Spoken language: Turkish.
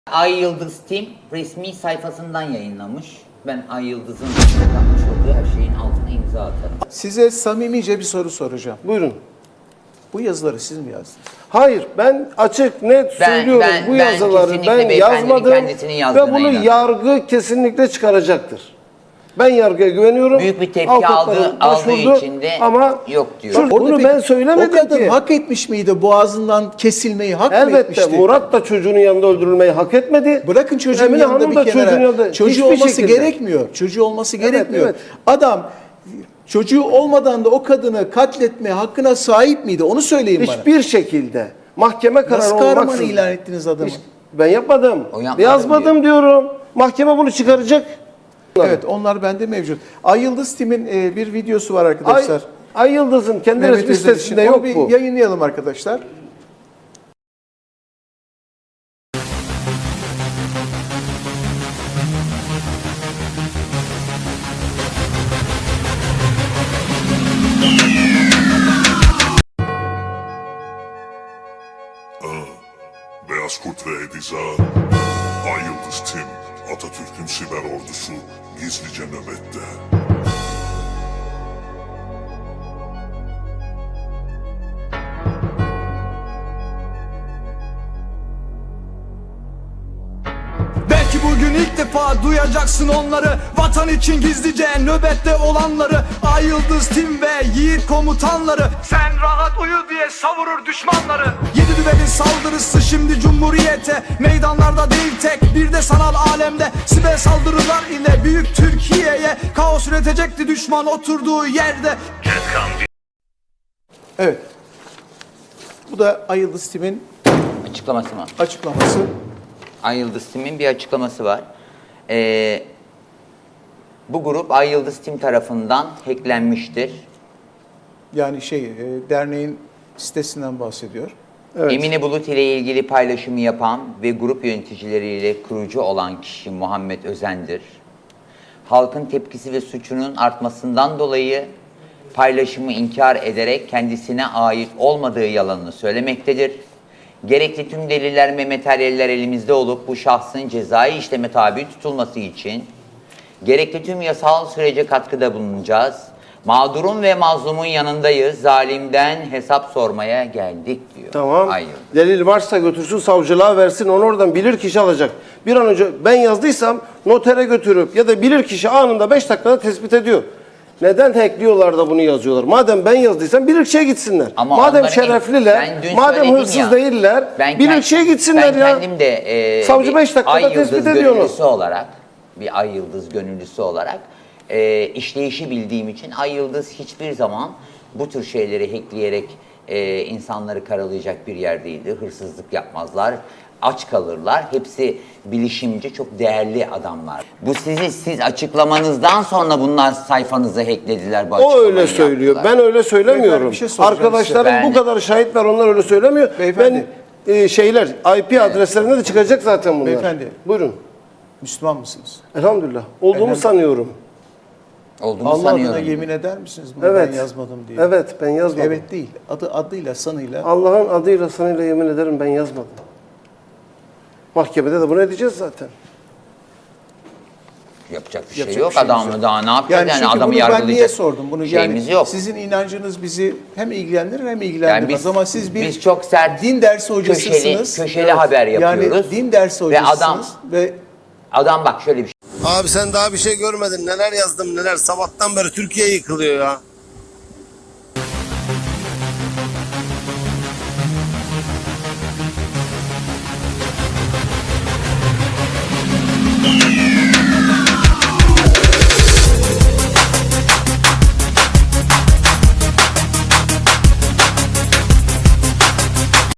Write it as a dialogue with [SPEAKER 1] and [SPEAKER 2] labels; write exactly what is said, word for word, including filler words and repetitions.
[SPEAKER 1] Ay Yıldız Team resmi sayfasından yayınlamış. Ben Ay Yıldız'ın yapmış olduğu her şeyin altına imza atarım.
[SPEAKER 2] Size samimice bir soru soracağım.
[SPEAKER 3] Buyurun.
[SPEAKER 2] Bu yazıları siz mi yazdınız?
[SPEAKER 3] Hayır, ben açık net
[SPEAKER 1] Ben-
[SPEAKER 3] söylüyorum.
[SPEAKER 1] ben-
[SPEAKER 3] Bu
[SPEAKER 1] ben
[SPEAKER 3] yazıları
[SPEAKER 1] kesinlikle
[SPEAKER 3] ben
[SPEAKER 1] beyefendinin
[SPEAKER 3] yazmadım
[SPEAKER 1] kendisinin
[SPEAKER 3] ve
[SPEAKER 1] yazdığına
[SPEAKER 3] bunu
[SPEAKER 1] inanıyorum.
[SPEAKER 3] yargı kesinlikle çıkaracaktır. Ben yargıya güveniyorum.
[SPEAKER 1] Büyük bir tepki
[SPEAKER 3] Avukatlarım
[SPEAKER 1] aldığı- aldığı
[SPEAKER 3] başvurdu
[SPEAKER 1] için de
[SPEAKER 3] ama
[SPEAKER 1] yok diyor.
[SPEAKER 3] Şur-
[SPEAKER 2] Orada
[SPEAKER 3] bunu
[SPEAKER 2] peki
[SPEAKER 3] ben söylemedim
[SPEAKER 2] o kadın
[SPEAKER 3] ki.
[SPEAKER 2] hak etmiş miydi? Boğazından kesilmeyi hak mı
[SPEAKER 3] Elbette
[SPEAKER 2] etmişti?
[SPEAKER 3] Murat da çocuğunun yanında öldürülmeyi hak etmedi.
[SPEAKER 2] Bırakın çocuğun
[SPEAKER 3] Emine
[SPEAKER 2] yanında
[SPEAKER 3] Hanım
[SPEAKER 2] bir
[SPEAKER 3] da
[SPEAKER 2] kenara.
[SPEAKER 3] çocuğun yanında.
[SPEAKER 2] Çocuğu
[SPEAKER 3] Hiçbir
[SPEAKER 2] olması
[SPEAKER 3] şekilde.
[SPEAKER 2] gerekmiyor. Çocuğu olması
[SPEAKER 3] Evet,
[SPEAKER 2] gerekmiyor.
[SPEAKER 3] evet.
[SPEAKER 2] Adam çocuğu olmadan da o kadını katletme hakkına sahip miydi? Onu söyleyin bana.
[SPEAKER 3] Hiçbir şekilde mahkeme kararı
[SPEAKER 2] Nasıl kahraman
[SPEAKER 3] olmaksızın.
[SPEAKER 2] ilan ettiniz adamı?
[SPEAKER 3] Hiç- Ben yapmadım.
[SPEAKER 1] O yapmadım
[SPEAKER 3] Yazmadım diyorum. Mahkeme bunu çıkaracak.
[SPEAKER 2] Evet, onlar bende mevcut. Ay Yıldız Team'in e, bir videosu var
[SPEAKER 3] Ay,
[SPEAKER 2] arkadaşlar.
[SPEAKER 3] Ay Yıldız'ın kendi
[SPEAKER 2] Mehmet
[SPEAKER 3] resmi
[SPEAKER 2] Özel için.
[SPEAKER 3] sitesinde
[SPEAKER 2] Onu
[SPEAKER 3] yok
[SPEAKER 2] bir
[SPEAKER 3] bu.
[SPEAKER 2] yayınlayalım arkadaşlar.
[SPEAKER 4] Beyaz Kurt ve Ediza, Ay Yıldız Tim, Atatürk'ün siber ordusu gizlice nöbette.
[SPEAKER 5] Belki bugün ilk defa duyacaksın onları, vatan için gizlice nöbette olanları. Ay Yıldız Tim ve yiğit komutanları, sen rahat uyu diye savurur düşmanları. Yedi düvelin saldırısı şimdi cumhuriyete, meydanlarda değil tek bir de sanal alemde. Siber saldırılar ile büyük Türkiye'ye kaos üretecekti düşman oturduğu yerde.
[SPEAKER 2] Evet. Bu da Ay Yıldız Team'in
[SPEAKER 1] Açıklaması mı?
[SPEAKER 2] açıklaması.
[SPEAKER 1] Ay Yıldız Team'in bir açıklaması var. Ee, bu grup Ay Yıldız Team tarafından hacklenmiştir.
[SPEAKER 2] Yani şey, e, derneğin sitesinden bahsediyor.
[SPEAKER 3] Evet.
[SPEAKER 1] Emine Bulut ile ilgili paylaşımı yapan ve grup yöneticileriyle kurucu olan kişi Muhammed Özen'dir. Halkın tepkisi ve suçunun artmasından dolayı paylaşımı inkar ederek kendisine ait olmadığı yalanını söylemektedir. Gerekli tüm deliller ve materyaller elimizde olup bu şahsın cezai işleme tabi tutulması için gerekli tüm yasal sürece katkıda bulunacağız. Mağdurun ve mazlumun yanındayız. Zalimden hesap sormaya geldik diyor.
[SPEAKER 3] Tamam.
[SPEAKER 1] Hayır.
[SPEAKER 3] Delil varsa götürsün savcılığa versin. Onu oradan bilir kişi alacak. Bir an önce ben yazdıysam notere götürüp ya da bilir kişi anında beş dakikada tespit ediyor. Neden hackliyorlar da bunu yazıyorlar? Madem ben yazdıysam bilirkişiye gitsinler.
[SPEAKER 1] Ama
[SPEAKER 3] madem
[SPEAKER 1] onların-
[SPEAKER 3] şerefliler,
[SPEAKER 1] ben dün
[SPEAKER 3] madem
[SPEAKER 1] söyledim
[SPEAKER 3] hırsız
[SPEAKER 1] ya,
[SPEAKER 3] değiller,
[SPEAKER 1] ben
[SPEAKER 3] bilirkişiye
[SPEAKER 1] kend-
[SPEAKER 3] gitsinler
[SPEAKER 1] ben
[SPEAKER 3] ya.
[SPEAKER 1] kendim de e,
[SPEAKER 3] Savcı
[SPEAKER 1] bir
[SPEAKER 3] beş dakikada
[SPEAKER 1] Ay
[SPEAKER 3] tespit
[SPEAKER 1] Yıldız
[SPEAKER 3] ediyor onu.
[SPEAKER 1] gönüllüsü olarak, bir Ay Yıldız gönüllüsü olarak e, işleyişi bildiğim için Ay Yıldız hiçbir zaman bu tür şeyleri hackleyerek e, insanları karalayacak bir yer değildir. Hırsızlık yapmazlar, aç kalırlar. Hepsi bilişimci, çok değerli adamlar. Bu sizi siz açıklamanızdan sonra bunlar sayfanızı hacklediler. Bu
[SPEAKER 3] O
[SPEAKER 1] açıklamayı
[SPEAKER 3] öyle söylüyor.
[SPEAKER 1] yaptılar.
[SPEAKER 3] Ben öyle söylemiyorum.
[SPEAKER 2] Beyefendi, bir şey soracağım
[SPEAKER 3] Arkadaşlarım
[SPEAKER 1] size.
[SPEAKER 3] bu kadar şahit var, onlar öyle söylemiyor.
[SPEAKER 2] Beyefendi.
[SPEAKER 3] Ben e, şeyler I P adreslerinde de çıkacak zaten bunlar.
[SPEAKER 2] Beyefendi.
[SPEAKER 3] Buyurun.
[SPEAKER 2] Müslüman mısınız?
[SPEAKER 3] Elhamdülillah. Olduğumu
[SPEAKER 2] Elhamdülillah.
[SPEAKER 3] sanıyorum.
[SPEAKER 1] Olduğunu
[SPEAKER 2] Allah
[SPEAKER 1] sanıyorum.
[SPEAKER 2] adına yemin eder misiniz bunu
[SPEAKER 3] Evet.
[SPEAKER 2] ben yazmadım diye?
[SPEAKER 3] Evet, ben yazmadım.
[SPEAKER 2] Evet değil. Adı adıyla, sanıyla.
[SPEAKER 3] Allah'ın adıyla sanıyla yemin ederim ben yazmadım. Mahkemede de bunu edeceğiz zaten.
[SPEAKER 1] Yapacak bir şey
[SPEAKER 2] Yapacak
[SPEAKER 1] yok.
[SPEAKER 2] bir şeyimiz
[SPEAKER 1] Adam
[SPEAKER 2] yok.
[SPEAKER 1] daha ne yapacak? Yani,
[SPEAKER 2] çünkü
[SPEAKER 1] adamı
[SPEAKER 2] bunu ben
[SPEAKER 1] yargılayacak
[SPEAKER 2] niye sordum? Bunu
[SPEAKER 1] şeyimiz
[SPEAKER 2] yani
[SPEAKER 1] yok.
[SPEAKER 2] sizin inancınız bizi hem ilgilendirir hem ilgilendirmez.
[SPEAKER 1] Yani biz-
[SPEAKER 2] Ama siz bir
[SPEAKER 1] biz çok sert,
[SPEAKER 2] din dersi hocasısınız.
[SPEAKER 1] köşeli- köşeli haber yapıyoruz.
[SPEAKER 2] Yani din dersi
[SPEAKER 1] Ve
[SPEAKER 2] hocasısınız.
[SPEAKER 1] adam-
[SPEAKER 2] Ve
[SPEAKER 1] Adam bak şöyle bir şey.
[SPEAKER 3] Abi sen daha bir şey görmedin. Neler yazdım neler. Sabahtan beri Türkiye yıkılıyor ya.